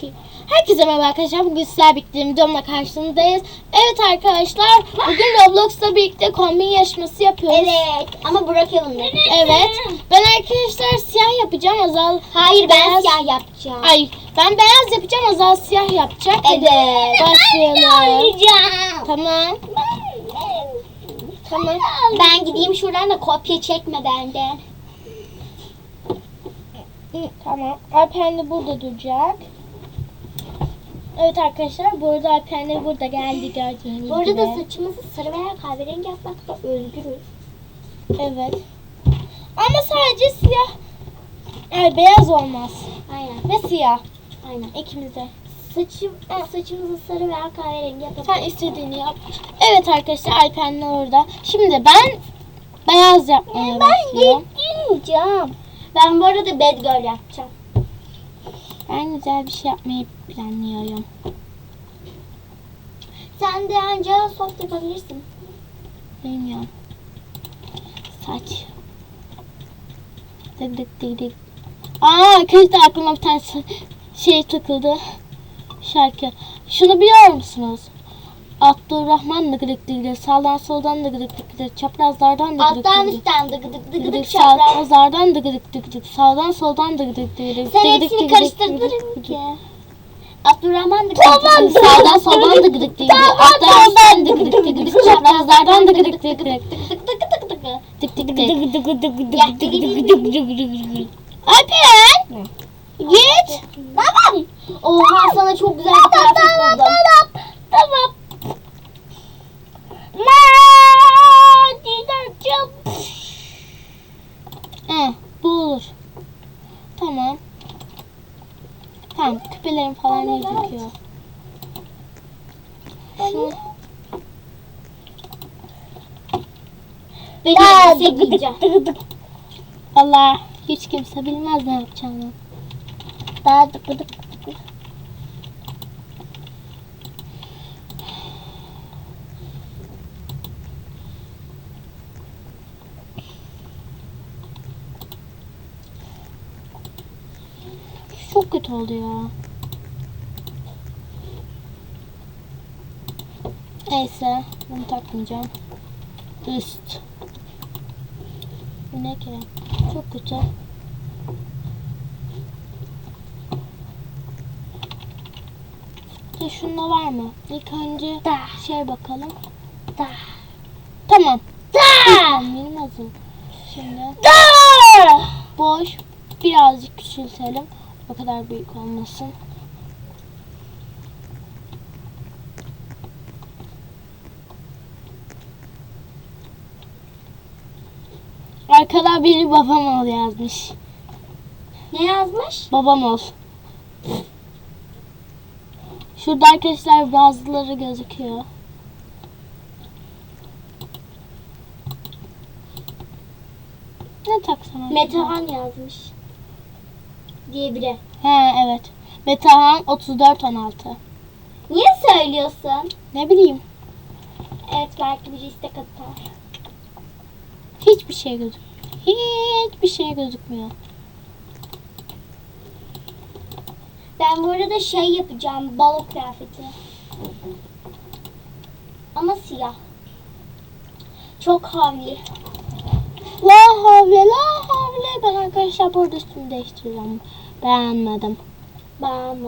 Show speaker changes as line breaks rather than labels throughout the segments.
Herkese merhaba arkadaşlar. Bugün sizler birlikte videomla karşınızdayız. Evet arkadaşlar, bugün Roblox'la birlikte kombin yarışması yapıyoruz.
Evet ama bırakalım da.
Evet. Ben arkadaşlar siyah yapacağım. Azal
Hayır, ben
beyaz
siyah yapacağım.
Ay, ben beyaz yapacağım. Azal siyah yapacak. Hadi
Evet.
başlayalım.
Yapacağım.
Tamam. Tamam.
Ben gideyim şuradan da kopya çekme benden.
Tamam. Alperen de burada duracak. Evet arkadaşlar, bu arada Alperen de burada geldi, gördüğünüz
Bu arada da
gibi.
saçımızı sarı veya kahverengi yapmakta özgürüz.
Evet. Ama sadece siyah. Yani beyaz olmaz.
Aynen.
Ve siyah.
Aynen.
İkimize.
Saçımızı sarı veya kahverengi yapalım.
Sen istediğini yap. Evet arkadaşlar, Alperen de orada. Şimdi ben beyaz yapmaya başlıyorum.
gitmeyeceğim. Ben bu arada bad girl yapacağım.
Ben güzel bir şey yapmayı planlıyorum.
Sen de anca soft yapabilirsin.
Bilmiyorum. Saç. Dık dık dık dık. Arkadaşlar aklıma bir tane şey takıldı. Şarkı. Şunu biliyor musunuz? Abdurrahman da gıdık dık, sağdan soldan da gıdık dık, çaprazlardan da gıdık
Alttan
dık,
üstten dık dık
gıdık,
çapraz.
çaprazlardan da gıdık dık, sağdan soldan da gıdık dık.
Sen hepsini karıştırdın ki. Abdurrahman da
Tamam. Sağdan soldan da gıdık dık, alttan üstten de gıdık dık, çaprazlardan da gıdık dık. Tık tık tık. Alperen! Git!
Tamam. Oha, sana çok güzel bir kıyafet buldum.
Tamam. Bu olur. Tamam. Tamam, küpelerim falan gözüküyor. Şunu...
Ben elbise giyeceğim.
Allah, hiç kimse bilmez ne yapacağını.
Daha dık dık.
Çok kötü oldu ya. Neyse, bunu takmayacağım. Üst. Bu ne ki? Çok kötü. Şunda var mı? İlk önce şey bakalım. Tamam. Benim nasıl? Şimdi boş. Birazcık küçültelim. O kadar büyük olmasın. Arkada biri babam ol yazmış.
Ne yazmış?
Babam ol. Şurada arkadaşlar bazıları gözüküyor. Ne taksam acaba?
Metehan yazmış. Diye biri.
He evet. Metehan 3416.
Niye söylüyorsun?
Ne bileyim.
Evet, belki biri istek atar.
Hiçbir şey gözükmüyor. Hiçbir şey gözükmüyor.
Ben bu arada şey yapacağım, balo kıyafeti. Ama siyah. Çok havli.
La havle la havle. Ben arkadaşlar burada üstümü değiştireceğim. Beğenmedim.
Bana.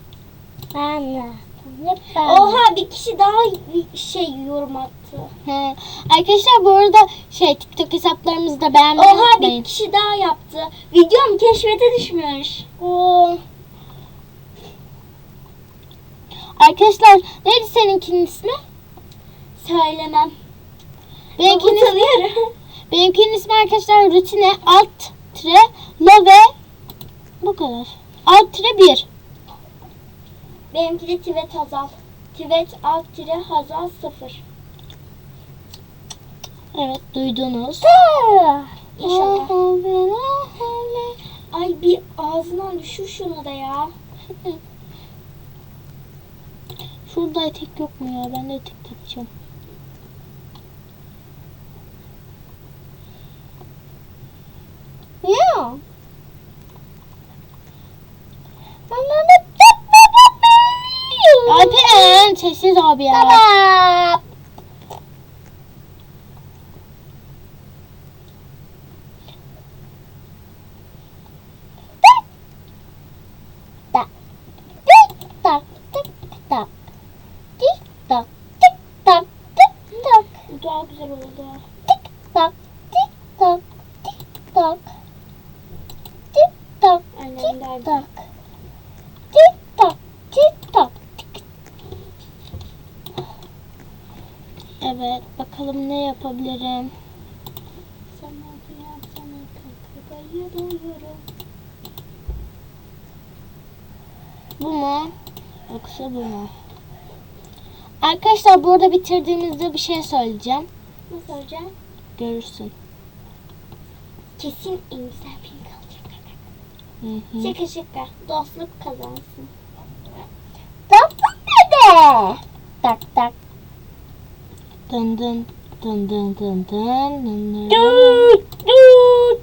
Oha, bir kişi daha şey yorum attı.
He. Arkadaşlar bu arada TikTok hesaplarımızda beğenmeyi
Oha,
unutmayın.
bir kişi daha yaptı. Videom keşfete düşmüş.
Oo. Arkadaşlar neydi seninkinin ismi?
Söylemem.
Benimkinin ismi,
Utanıyorum.
benimkinin ismi arkadaşlar rutine alt tire la ve bu kadar. Alt tire 1.
Benimki de Tivet Hazal. Tivet alt tire Hazal 0.
Evet, duydunuz.
İnşallah.
La havle, la havle.
Ay, bir ağzından düşür şunu da ya.
Şurada etek yok mu ya? Ben de etek takacağım.
Ya.
Alperen sessiz abi ya.
Tamam. Tak. Tik tak tik tak. Tik tak tik tak tik tak.
Bu daha güzel oldu.
Tik tak tik tak tik tak. Tik tak
Aynen
tik
derdi.
tak. Tik tak tik tak.
Evet bakalım ne yapabilirim.
Sana dünya sana kakayı doyurum.
Bu mu? Yoksa bu mu? Arkadaşlar burada bitirdiğimizde bir şey söyleyeceğim.
Ne soracağım?
Görürsün.
Kesin en güzel film kalacak.
Hı hı.
Şaka şaka. Dostluk kazansın. Dostluk dede. Tak tak.
Dın dın dın dın dın dın dın dın.
Dut dut.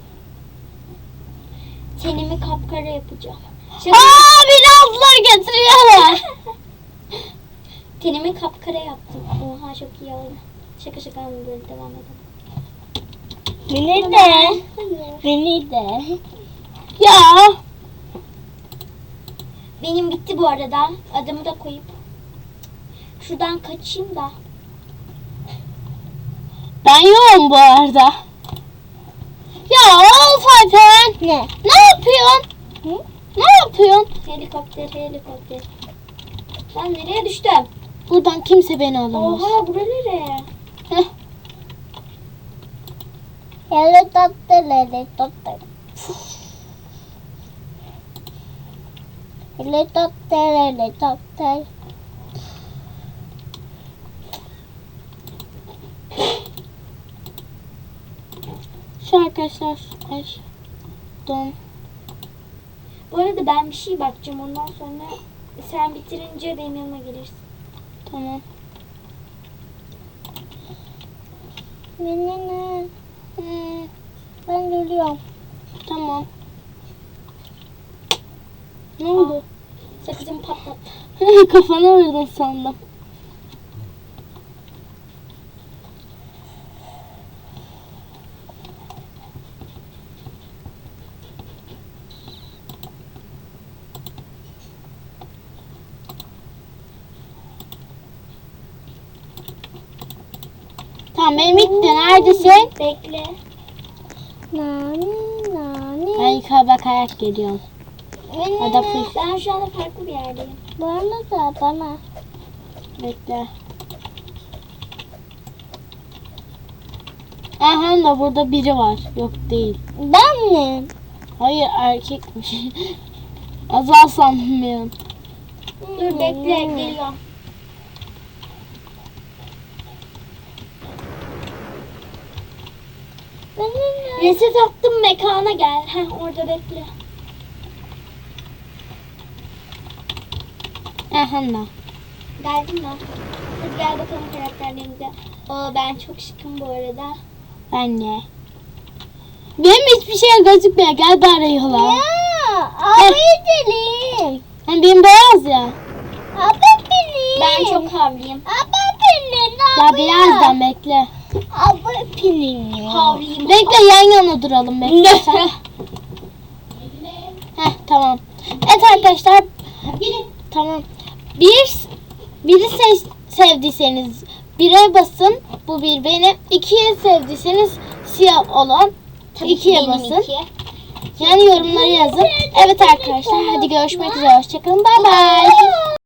Tenimi kapkara yapacağım. Şaka.
Aa birazlar getiriyorlar.
Tenimi kapkara yaptım. Oha çok iyi oldu. Şaka şaka ama böyle devam edelim.
Beni
Hayır.
Beni de. Ya.
Benim bitti bu arada. Adımı da koyup. Şuradan kaçayım da.
Ben yoğum bu arada. Ya of Alperen.
Ne?
Ne yapıyorsun?
Hı?
Ne yapıyorsun?
Helikopter helikopter. Ben nereye düştüm?
Buradan kimse beni alamaz.
Oha bura nereye?
Heh.
Helikopter helikopter. Helikopter helikopter.
Şu arkadaşlar. Ay. Don.
Bu arada ben bir şey bakacağım. Ondan sonra sen bitirince benim yanıma gelirsin.
Tamam.
Ne? Ben geliyorum.
Tamam. Ne oldu?
Sakızımı patlat.
Kafana vurdun sandım. Tamam benim bitti. Neredesin?
Bekle. Nani.
Ben yukarı bakarak geliyorum. Ada full.
Ben şu anda farklı bir yerdeyim. Bana.
Bekle. Aha da burada biri var. Yok değil.
Ben mi?
Hayır erkekmiş. Azal sandım bir an.
Dur bekle geliyorum. Reset attım mekana gel. Heh orada bekle.
Aha da.
Geldin mi? Hadi gel bakalım karakterlerimize. Oo ben çok şıkım bu arada.
Ben de. Benim hiçbir şey gözükmüyor. Gel bari yola.
abi gidelim.
Hani benim beyaz ya.
Abi benim. Ben çok havlıyım. Abi benim.
Ya birazdan bekle.
Abi benim. Havlıyım.
Bekle yan yana duralım bekle sen. Heh tamam. Evet arkadaşlar. Tamam. Biri sevdiyseniz 1'e basın. Bu bir benim. 2'ye sevdiyseniz siyah olan 2'ye basın. Yani yorumları yazın. Evet arkadaşlar hadi görüşmek üzere. Hoşçakalın. Bay bay.